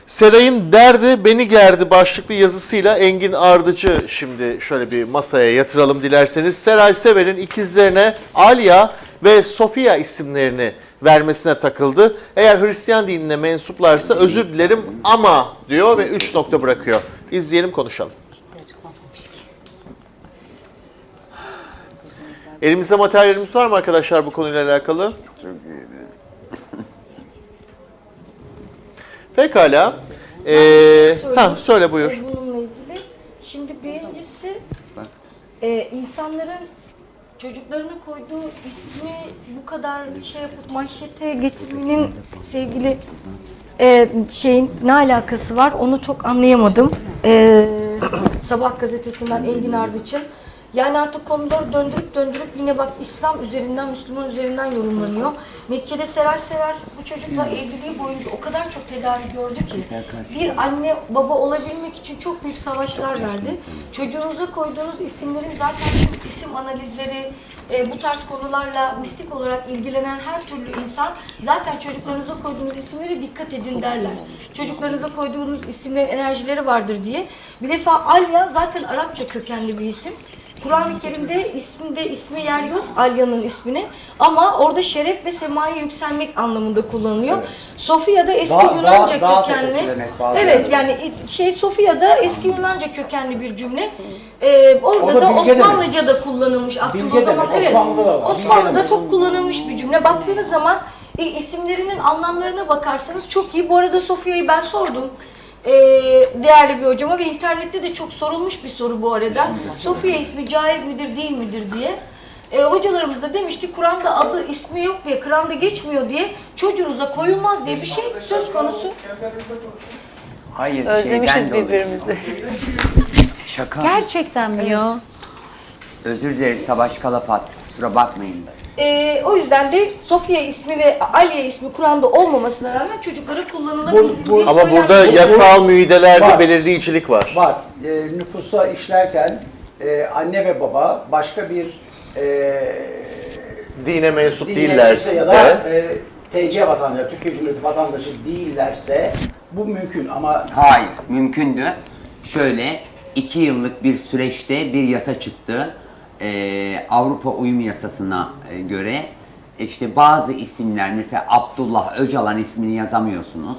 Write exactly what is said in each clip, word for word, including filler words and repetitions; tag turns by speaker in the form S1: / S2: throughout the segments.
S1: Seray'ın derdi beni gerdi başlıklı yazısıyla Engin Ardıcı şimdi şöyle bir masaya yatıralım dilerseniz. Seray Sever'in ikizlerine Alya ve Sofia isimlerini vermesine takıldı. Eğer Hristiyan dinine mensuplarsa özür dilerim ama diyor ve üç nokta bırakıyor. İzleyelim, konuşalım. Elimizde materyalimiz var mı arkadaşlar bu konuyla alakalı?
S2: Çok iyi.
S1: Pekala. Ee,
S3: şey
S1: ha, söyle buyur.
S3: E, Bununla ilgili. Şimdi birincisi e, insanların çocuklarına koyduğu ismi bu kadar şey yapıp manşete getirmenin sevgili e, şeyin ne alakası var onu çok anlayamadım. E, Sabah gazetesinden Engin Ardıç'ın. Yani artık konuları döndürüp döndürüp yine bak İslam üzerinden, Müslüman üzerinden yorumlanıyor. Neticede Seray Sever bu çocukla evliliği boyunca o kadar çok tedavi gördü ki bir anne baba olabilmek için çok büyük savaşlar verdi. Çocuğunuza koyduğunuz isimlerin zaten isim analizleri, e, bu tarz konularla mistik olarak ilgilenen her türlü insan zaten çocuklarınıza koyduğunuz isimlere dikkat edin derler. Çocuklarınıza koyduğunuz isimlerin enerjileri vardır diye. Bir defa Alya zaten Arapça kökenli bir isim. Kur'an-ı Kerim'de isminde ismi yer yok Alya'nın ismini ama orada şeref ve semaya yükselmek anlamında kullanılıyor. Evet. Sofia'da eski
S4: Da,
S3: Yunanca
S4: da,
S3: kökenli.
S4: demek,
S3: evet yani şey Sofia'da eski Yunanca kökenli bir cümle. Ee, orada da Osmanlıca da kullanılmış aslında
S4: bilge
S3: o zaman.
S4: Demek.
S3: Evet.
S4: Osmanlı'da,
S3: Osmanlı'da çok kullanılmış bir cümle. Baktığınız zaman e, isimlerinin anlamlarına bakarsanız çok iyi. Bu arada Sofia'yı ben sordum. Ee, değerli bir hocama ve internette de çok sorulmuş bir soru bu arada. Sofia ismi caiz midir değil midir diye. Ee, hocalarımız da demiş ki Kur'an'da adı ismi yok diye, Kur'an'da geçmiyor diye çocuğunuza koyulmaz diye bir şey söz konusu.
S2: Hayır,
S5: Özlemişiz birbirimizi.
S2: Şaka.
S5: Gerçekten mi ya?
S2: Özür dileriz Savaş Kalafat. Kusura bakmayınız.
S3: Ee, o yüzden de Sofia ismi ve Aliye ismi Kur'an'da olmamasına rağmen çocuklara kullanılabilir.
S4: Bu- bu-
S1: Ama burada yasal müeydelerde
S4: Var.
S1: belirleyicilik var.
S4: Var. E, nüfusa işlerken e, anne ve baba başka bir e,
S1: Dine mensup
S4: dine
S1: değillerse
S4: ya da
S1: de
S4: e, T C vatandaşı, Türkiye Cumhuriyeti vatandaşı değillerse bu mümkün ama
S2: Hayır, mümkündü. Şöyle, iki yıllık bir süreçte bir yasa çıktı. Ee, Avrupa Uyum Yasası'na e, göre işte bazı isimler, mesela Abdullah Öcalan ismini yazamıyorsunuz.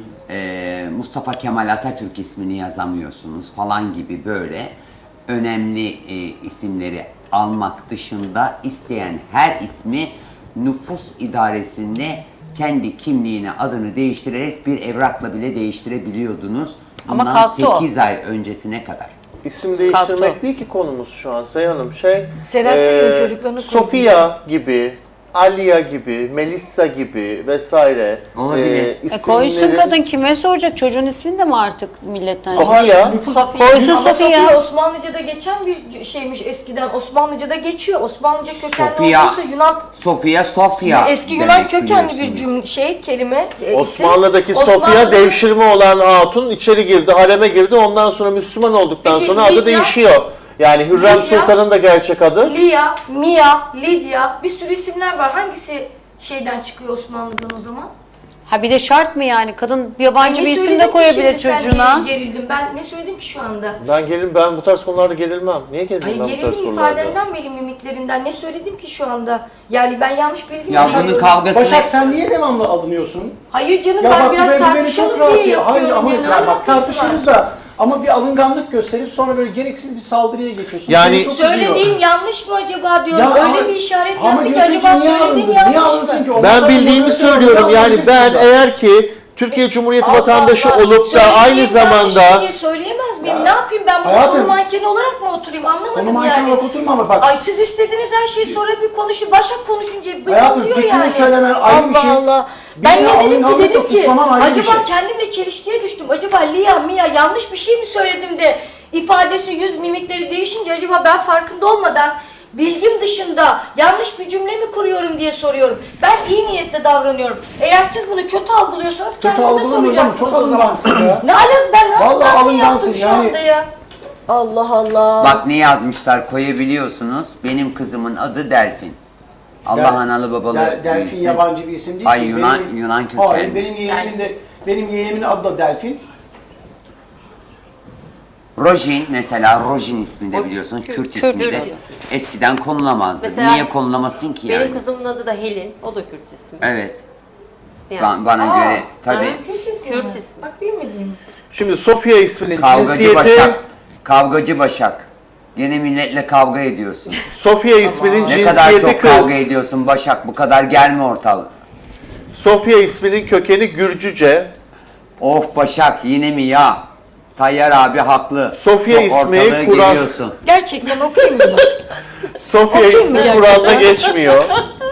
S2: Ee, Mustafa Kemal Atatürk ismini yazamıyorsunuz falan gibi böyle önemli e, isimleri almak dışında isteyen her ismi nüfus idaresinde kendi kimliğine adını değiştirerek bir evrakla bile değiştirebiliyordunuz.
S5: Ama
S2: Bundan
S5: kalktı o.
S2: sekiz ay öncesine kadar.
S1: isim değiştirmek
S5: Kalktı.
S1: değil ki konumuz şu an Sayın Hanım. Şey,
S3: Seray Sever'in çocuklarını
S1: Sofia gibi, Alya gibi, Melissa gibi vesaire.
S2: Olabilir.
S1: e,
S5: E
S1: isimlerin-
S5: koysun kadın, kime soracak? Çocuğun ismini de mi artık milletten?
S1: Sofia.
S4: nüfus
S5: Koysun
S3: Ama
S5: Sofia.
S3: Sofia Osmanlıca'da geçen bir şeymiş eskiden. Osmanlıca'da geçiyor. Osmanlıca kökenli
S2: Sofia.
S3: olduğu için Yunan
S2: Sofia, Sofia.
S3: eski Yunan
S2: demek
S3: kökenli bir
S2: biliyorsunuz.
S3: cümle şey kelime e, isim.
S1: Osmanlı'daki
S3: Osmanlı'da-
S1: Sofia devşirme olan hatun içeri girdi, hareme girdi. Ondan sonra Müslüman olduktan
S3: Peki,
S1: sonra adı
S3: Lidya?
S1: değişiyor. Yani Hürrem
S3: Lidya?
S1: Sultan'ın da gerçek adı.
S3: Lia, Mia, Lidya bir sürü isimler var. Hangisi şeyden çıkıyor Osmanlı'dan o zaman?
S5: Ha bir de şart mı yani? Kadın yabancı
S3: Ne
S5: bir isim
S3: söyledin
S5: de
S3: ki
S5: koyabilir
S3: şimdi sen
S5: çocuğuna.
S3: Gerildim. Ben ne söyledim ki şu anda?
S1: Ben gelim ben bu tarz konularda gerilmem. Niye gerilmem
S3: Hayır
S1: ben bu tarz
S3: gerildim
S1: konularda?
S3: ifadenden benim mimiklerinden. Ne söyledim ki şu anda? Yani ben yanlış bilgi mi
S2: Ya bunun
S3: yaşıyorum?
S2: kavgasını...
S4: Başak sen niye devamlı alınıyorsun?
S3: Hayır canım
S4: Ya
S3: ben
S4: bak
S3: biraz
S4: bu beni, beni
S3: tartışalım
S4: çok
S3: diye
S4: rahatsız ediyor.
S3: yapıyorum.
S4: Hayır ama
S3: ya, ne
S4: ya bak
S3: alakası var?
S4: tartışırız da ama bir alınganlık gösterip sonra böyle gereksiz bir saldırıya geçiyorsun.
S1: Yani-
S4: Beni çok üzüyor.
S3: Söylediğim yanlış mı acaba diyorum.
S4: Ya
S3: Öyle
S4: ama-
S3: bir işaret
S4: ama
S3: yaptı ki
S4: diyorsun ki
S3: acaba
S4: niye
S3: söylediğim
S4: alındın? Niye
S3: yanlış
S4: alındın
S3: mı?
S4: ki? Ondan
S1: Ben
S4: sonra
S1: bildiğimi
S4: bunu
S1: söylüyorum.
S4: niye
S1: Yani
S4: alındın
S1: ben
S4: ki?
S1: eğer ki Türkiye Cumhuriyeti
S3: Allah
S1: vatandaşı
S3: Allah.
S1: olup da
S3: Söylediğim
S1: aynı
S3: yanlış
S1: zamanda
S3: diye söyleyemez miyim?
S4: Ya,
S3: Ne yapayım ben bunu
S4: hayatım,
S3: konu mankeni olarak mı oturayım anlamadım
S4: Konu manken
S3: yani.
S4: olarak oturma ama bak.
S3: Ay siz istediğiniz her şeyi sonra bir konuşun. Başak konuşunca bir
S4: Hayatım,
S3: atıyor
S4: fikrini
S3: yani.
S4: söylemen ayrı bir
S3: Allah
S4: şey.
S3: Allah.
S4: Bir
S3: Ben
S4: de
S3: ne dedim ki
S4: alınganlıkla
S3: dedim ki
S4: suçlaman ayrı bir
S3: acaba
S4: şey.
S3: kendimle çelişkiye düştüm. Acaba Lia, Mia yanlış bir şey mi söyledim de ifadesi, yüz mimikleri değişince acaba ben farkında olmadan bilgim dışında yanlış bir cümle mi kuruyorum diye soruyorum. Ben iyi niyetle davranıyorum. Eğer siz bunu kötü algılıyorsanız
S4: Kötü
S3: kendinize
S4: algılamıyoruz ama
S3: soracaksınız
S4: çok
S3: o zaman.
S4: alıngansın ya.
S3: Ne alem ben ne
S4: Vallahi
S3: yaptım
S4: alıngansın
S3: yaptım şu
S4: yani.
S3: anda ya. Allah Allah.
S2: Bak ne yazmışlar koyabiliyorsunuz. Benim kızımın adı Delfin. Allah
S4: Del-
S2: analı babalı
S4: Del- Delfin
S2: büyüsün.
S4: yabancı bir isim değil
S2: Hayır,
S4: ki.
S2: Yunan-
S4: Benim-
S2: Yunan kökenli.
S4: Hayır benim yeğenimin de Benim yeğenimin adı da Delfin.
S2: Rojin mesela, Rojin ismi de
S6: O
S2: biliyorsun,
S6: Kürt-
S2: Kürt,
S6: Kürt
S2: ismi de
S6: ismi.
S2: eskiden konulamazdı.
S6: Mesela
S2: Niye konulamasın ki yani?
S6: Benim kızımın adı da Helin. O da Kürt ismi.
S2: Evet,
S6: Yani.
S2: ba- bana
S3: Aa,
S2: göre tabii.
S6: Ha?
S3: Kürt ismi
S6: Kürt
S3: mi?
S6: ismi.
S3: Bak bilmediğim.
S1: Şimdi Sofia isminin
S2: Kavgacı
S1: cinsiyeti,
S2: Başak, kavgacı Başak. Gene milletle kavga ediyorsun.
S1: Sofia isminin
S2: Ne kadar
S1: cinsiyeti
S2: çok
S1: kız.
S2: kavga ediyorsun Başak, bu kadar gelme ortalık.
S1: Sofia isminin kökeni Gürcüce.
S2: Of Başak, yine mi ya? Tayyar abi haklı.
S1: Sofya
S2: Çok
S1: ismi
S2: ortalığı
S1: Kur'an-
S2: geliyorsun.
S3: Gerçekten okuyayım mı?
S1: Sofia
S3: Okuyayım
S1: ismi
S3: mı
S1: Kur'an'da geçmiyor.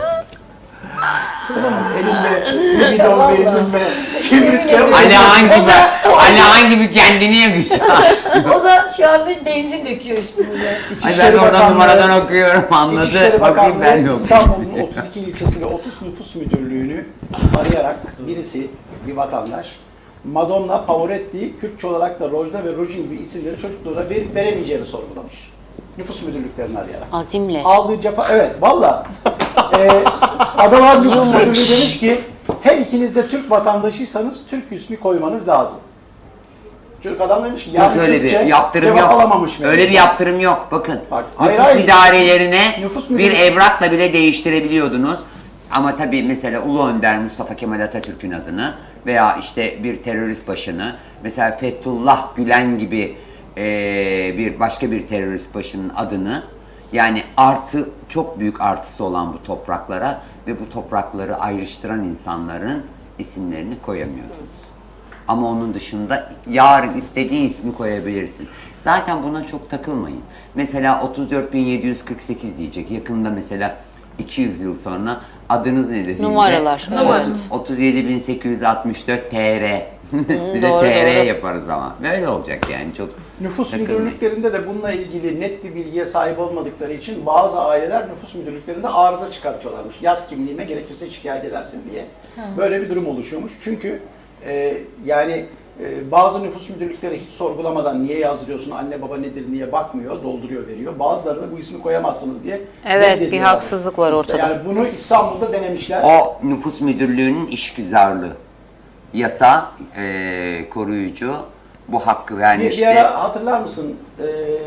S4: Elinde bir bidon benzin ve kibritle
S2: Ali hangi be? Ali hangi bir kendini yakacak?
S3: O da şu anda benzin döküyor üstümüze.
S2: Ay ben
S4: İçişleri
S2: de oradan
S4: Bakanlığı-
S2: numaradan okuyorum, anladı.
S4: İçişleri
S2: Bakayım ben de
S4: Bakanlığı
S2: okuyayım.
S4: İstanbul'un otuz iki ilçesi ve otuz nüfus müdürlüğünü arayarak birisi, bir vatandaş, Madonna Pavoretti, Kürtçe olarak da Rojda ve Rojin gibi isimleri çocukluğuna verip veremeyeceğini sorgulamış. Nüfus müdürlüklerini arayarak.
S5: Azimle.
S4: Aldığı cefa, evet valla. Ee, Adalar Nüfus Müdürlüğü demiş ki, her ikiniz de Türk vatandaşıysanız Türk ismi koymanız lazım. Çocuk adam demiş ki,
S2: Yok öyle bir
S4: Türkçe
S2: yaptırım
S4: cevap
S2: yok.
S4: alamamış
S2: Öyle bir yaptırım yok. Bakın.
S4: Bak, hayır,
S2: nüfus
S4: hayır.
S2: idarelerine
S4: Nüfus
S2: bir
S4: müdürü-
S2: evrakla bile değiştirebiliyordunuz. Ama tabii mesela Ulu Önder Mustafa Kemal Atatürk'ün adını veya işte bir terörist başını, mesela Fethullah Gülen gibi eee, bir başka bir terörist başının adını, yani artı, çok büyük artısı olan bu topraklara ve bu toprakları ayrıştıran insanların isimlerini koyamıyordunuz. Ama onun dışında yarın istediğin ismi koyabilirsin. Zaten buna çok takılmayın. Mesela otuz dört bin yedi yüz kırk sekiz diyecek. Yakında mesela iki yüz yıl sonra adınız ne deyince?
S5: Numaralar,
S3: evet.
S2: otuz yedi bin sekiz yüz altmış dört T R. Bir de
S5: doğru,
S2: T R
S5: doğru.
S2: yaparız ama. Böyle olacak yani, çok
S4: Nüfus
S2: takılmayın.
S4: müdürlüklerinde de bununla ilgili net bir bilgiye sahip olmadıkları için bazı aileler nüfus müdürlüklerinde arıza çıkartıyorlarmış. Yaz kimliğime gerekirse şikayet edersin diye. Böyle bir durum oluşuyormuş. Çünkü e, yani e, bazı nüfus müdürlükleri hiç sorgulamadan niye yazdırıyorsun, anne baba nedir niye bakmıyor, dolduruyor veriyor. Bazıları da bu ismi koyamazsınız diye
S5: Evet,
S4: reddediyor
S5: bir
S4: abi.
S5: haksızlık var
S4: İşte
S5: ortada.
S4: Yani bunu İstanbul'da denemişler.
S2: O nüfus müdürlüğünün işgüzarlığı. Yasa eee, koruyucu bu hakkı
S4: Bir,
S2: vermişti.
S4: bir ara hatırlar mısın? Ee,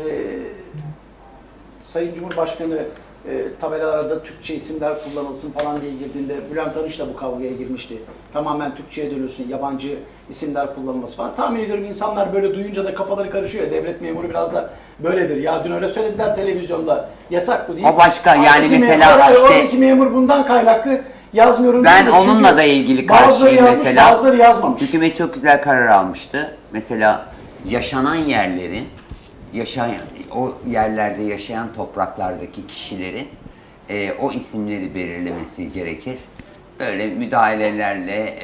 S4: Sayın Cumhurbaşkanı e, tabelalarda Türkçe isimler kullanılsın falan diye girdiğinde Bülent Arınç da bu kavgaya girmişti. Tamamen Türkçe'ye dönüyorsun, yabancı isimler kullanılması falan. Tahmin ediyorum insanlar böyle duyunca da kafaları karışıyor. Devlet memuru biraz da böyledir. Ya dün öyle söylediler televizyonda, yasak bu değil.
S2: O başka, yani
S4: Oradaki
S2: mesela
S4: memur, hayır,
S2: işte-
S4: oradaki memur bundan kaynaklı yazmıyorum.
S2: Ben
S4: diyordu.
S2: onunla
S4: Çünkü
S2: da ilgili
S4: bazıları
S2: karşıyım
S4: yazmış,
S2: mesela.
S4: bazıları yazmamış.
S2: Hükümet çok güzel karar almıştı. Mesela yaşanan yerlerin, yaşayan, o yerlerde yaşayan topraklardaki kişilerin e, o isimleri belirlemesi gerekir. Böyle müdahalelerle,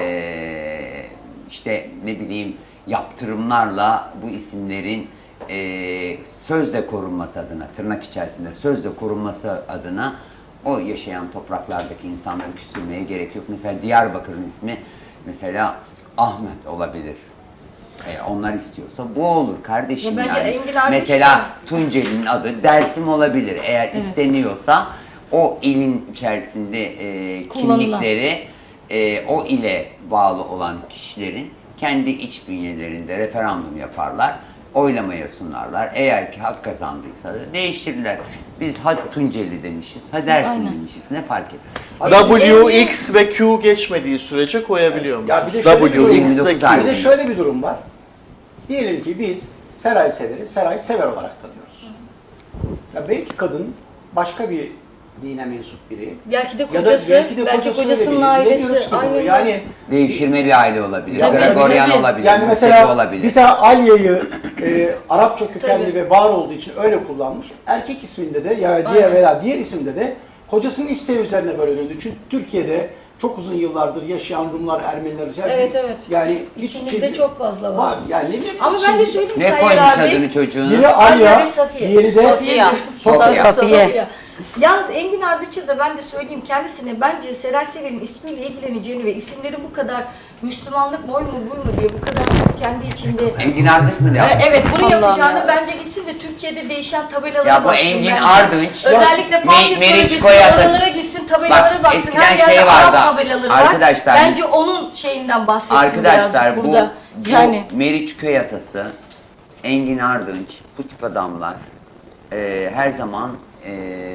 S2: e, işte ne bileyim yaptırımlarla bu isimlerin e, sözde korunması adına, tırnak içerisinde sözde korunması adına o yaşayan topraklardaki insanları küstürmeye gerek yok. Mesela Diyarbakır'ın ismi mesela Ahmet olabilir. E, onlar istiyorsa bu olur kardeşim
S3: Ya bence
S2: yani.
S3: Engin Ardıç
S2: Mesela
S3: da-
S2: Tunceli'nin adı Dersim olabilir. Eğer isteniyorsa o ilin içerisinde e,
S3: Kullanılan.
S2: kimlikleri e, o ile bağlı olan kişilerin kendi iç bünyelerinde referandum yaparlar. Oylamaya sunarlar. Eğer ki hak kazandıysa da değiştirirler. Biz ha Tunceli demişiz, ha Dersim demişiz. Ne fark eder?
S1: W, X ve Q geçmediği sürece koyabiliyor
S4: Ya
S1: musunuz?
S4: bir de şöyle bir
S1: W,
S4: durum-
S1: X ve
S2: yirmi dokuz ay.
S1: Q.
S4: Bir de şöyle bir durum var. Diyelim ki biz Seray Sever'i Seray Sever olarak tanıyoruz. Ya belki kadın başka bir dine mensup biri.
S3: Belki de
S4: Ya da
S3: kocası,
S4: belki de
S3: belki
S4: kocası
S3: kocasının
S4: öyle biri.
S3: ailesi.
S4: Bilemiyoruz ki bunu.
S3: Aynen.
S4: Yani
S2: Değiştirme bir aile olabilir.
S3: Tabii,
S2: Gregorian
S3: tabii.
S2: olabilir.
S4: yani
S2: Musevi
S4: mesela
S2: olabilir.
S4: bir tane Alya'yı e, Arapça kökenli
S3: Tabii.
S4: ve var olduğu için öyle kullanmış. Erkek isminde de ya diğer
S3: Aynen.
S4: veya diğer isimde de kocasının isteği üzerine böyle döndü. Çünkü Türkiye'de çok uzun yıllardır yaşayan Rumlar, Ermeniler, yani
S3: Evet, evet.
S4: Yani hiç
S3: İçimizde
S4: şey-
S3: çok fazla var.
S4: var. Yani ne diyeyim?
S3: Ama ben de
S4: Şimdi-
S3: söyleyeyim
S2: Ne
S3: Tayyar
S2: koymuş
S3: abi.
S2: adını çocuğuna?
S4: Biri
S3: Alya
S4: Alya,
S3: ve Safiye.
S4: diğeri de
S6: Safiye.
S4: Sofya.
S5: Safiye.
S3: Yalnız Engin Ardıç'a da ben de söyleyeyim kendisine bence Seray Sever'in ismiyle ilgileneceğini ve isimleri bu kadar Müslümanlık mı oy mu buy mu diye bu kadar çok kendi içinde.
S2: Engin Ardınç mı
S3: Ee,
S2: yapmış?
S3: Evet, bunu
S5: Allah'ım
S3: yapacağını
S5: ya.
S3: bence gitsin de Türkiye'de değişen tabelalara
S2: Ya bu
S3: baksın
S2: Engin
S3: bence.
S2: Ardınç,
S3: Özellikle
S2: Me-
S3: Fatih
S2: Meriç
S3: bölgesi,
S2: Koyat'a-
S3: oralara gitsin, tabelalara
S2: Bak,
S3: baksın.
S2: eskiden
S3: Her yerde
S2: şey vardı,
S3: Arap tabelaları var.
S2: arkadaşlar.
S3: Bence onun şeyinden bahsetsin
S2: Arkadaşlar
S3: birazcık
S2: bu,
S3: burada.
S2: bu
S3: Yani
S2: Meriç Köyatası, Engin Ardınç, bu tip adamlar e, her zaman e,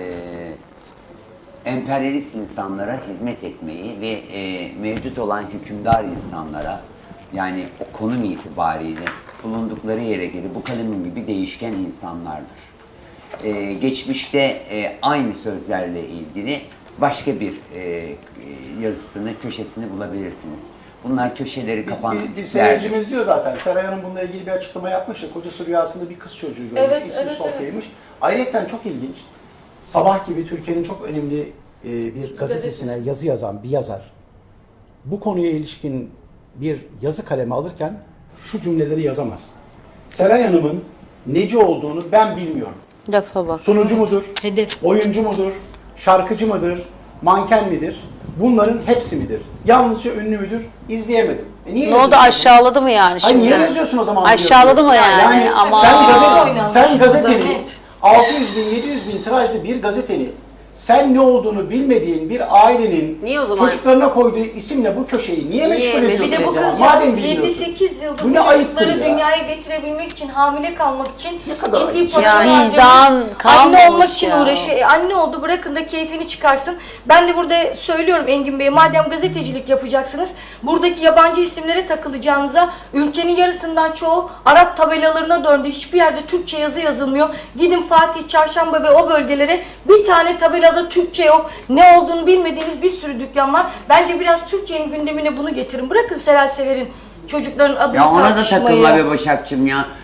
S2: emperyalist insanlara hizmet etmeyi ve e, mevcut olan hükümdar insanlara, yani o konum itibariyle bulundukları yere göre bu kalemin gibi değişken insanlardır. E, geçmişte e, aynı sözlerle ilgili başka bir e, yazısını, köşesini bulabilirsiniz. Bunlar köşeleri kapan
S4: Bir, bir
S2: tiplerdir.
S4: seyircimiz diyor zaten. Seray Hanım bununla ilgili bir açıklama yapmış ya. Kocası rüyasında bir kız çocuğu görmüş.
S3: Evet,
S4: İsmi
S3: evet,
S4: Sofya'ymış. Ayrıca çok ilginç. Sabah gibi Türkiye'nin çok önemli e, bir gazetesine yazı yazan bir yazar bu konuya ilişkin bir yazı kalemi alırken şu cümleleri yazamaz. Seray Hanım'ın neci olduğunu ben bilmiyorum.
S5: Lafa bak.
S4: Sunucu mudur?
S3: hedef.
S4: Oyuncu mudur? Şarkıcı mıdır? Manken midir? Bunların hepsi midir? Yalnızca ünlü müdür? İzleyemedim. E niye
S5: Ne oldu,
S4: yazıyorsun?
S5: aşağıladı mı yani
S4: Hayır,
S5: şimdi?
S4: niye yazıyorsun o zaman?
S5: Aşağıladı mı yani?
S4: Yani
S5: Ama
S4: sen,
S3: Oyun
S4: gazete,
S3: oynanmış
S4: sen
S3: burada,
S4: gazetenin
S3: net.
S4: altı yüz bin, yedi yüz bin tirajlı bir gazetenin sen ne olduğunu bilmediğin bir ailenin
S6: Niye o zaman-
S4: çocuklarına koyduğu isimle bu köşeyi niye meşgul
S6: meşgul
S4: ediyorsun?
S3: Bir de bu
S4: o zaman?
S3: kızcağız
S4: Madem
S3: yedi
S4: bilmiyorsun.
S3: sekiz yıldır
S4: Bu
S3: bu
S4: ne ayıptır
S3: çocukları
S4: ya?
S3: dünyaya getirebilmek için, hamile kalmak için
S4: Ne kadar
S3: ciddi
S4: ayıp.
S3: paralar
S5: Ya
S3: harcamış.
S5: vicdan
S3: Anne
S5: kalmamış
S3: olmak için
S5: ya.
S3: uğraşıyor. E, anne oldu, bırakın da keyfini çıkarsın. Ben de burada söylüyorum Engin Bey, madem gazetecilik yapacaksınız, buradaki yabancı isimlere takılacağınıza, ülkenin yarısından çoğu Arap tabelalarına döndü. Hiçbir yerde Türkçe yazı yazılmıyor. Gidin Fatih, Çarşamba ve o bölgelere, bir tane tabelada Türkçe yok. Ne olduğunu bilmediğiniz bir sürü dükkan var. Bence biraz Türkiye'nin gündemine bunu getirin. Bırakın Seray Sever'in çocukların adını
S2: Ya ona da
S3: tartışmayı.
S2: takılma be Başakçım ya.